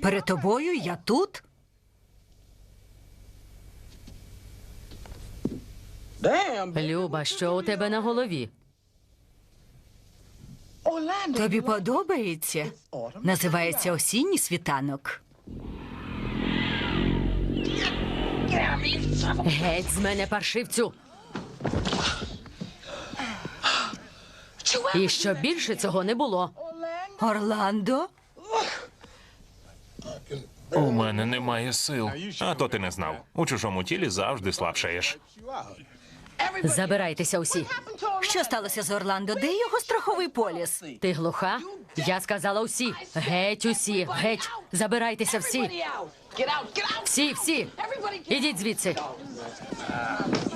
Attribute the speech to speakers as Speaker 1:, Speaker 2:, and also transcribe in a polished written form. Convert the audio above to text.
Speaker 1: Перед тобою я тут?
Speaker 2: Люба, що у тебе на голові?
Speaker 1: Тобі подобається? Називається осінній світанок.
Speaker 2: Геть з мене, паршивцю! І щоб більше цього не було.
Speaker 1: Орландо?
Speaker 3: У мене немає сил. А то ти не знав. У чужому тілі завжди слабшаєш.
Speaker 2: Забирайтеся усі.
Speaker 1: Що сталося з Орландо? Де його страховий поліс?
Speaker 2: Ти глуха? Я сказала усі. Геть усі. Геть. Забирайтеся всі. Всі. Ідіть звідси.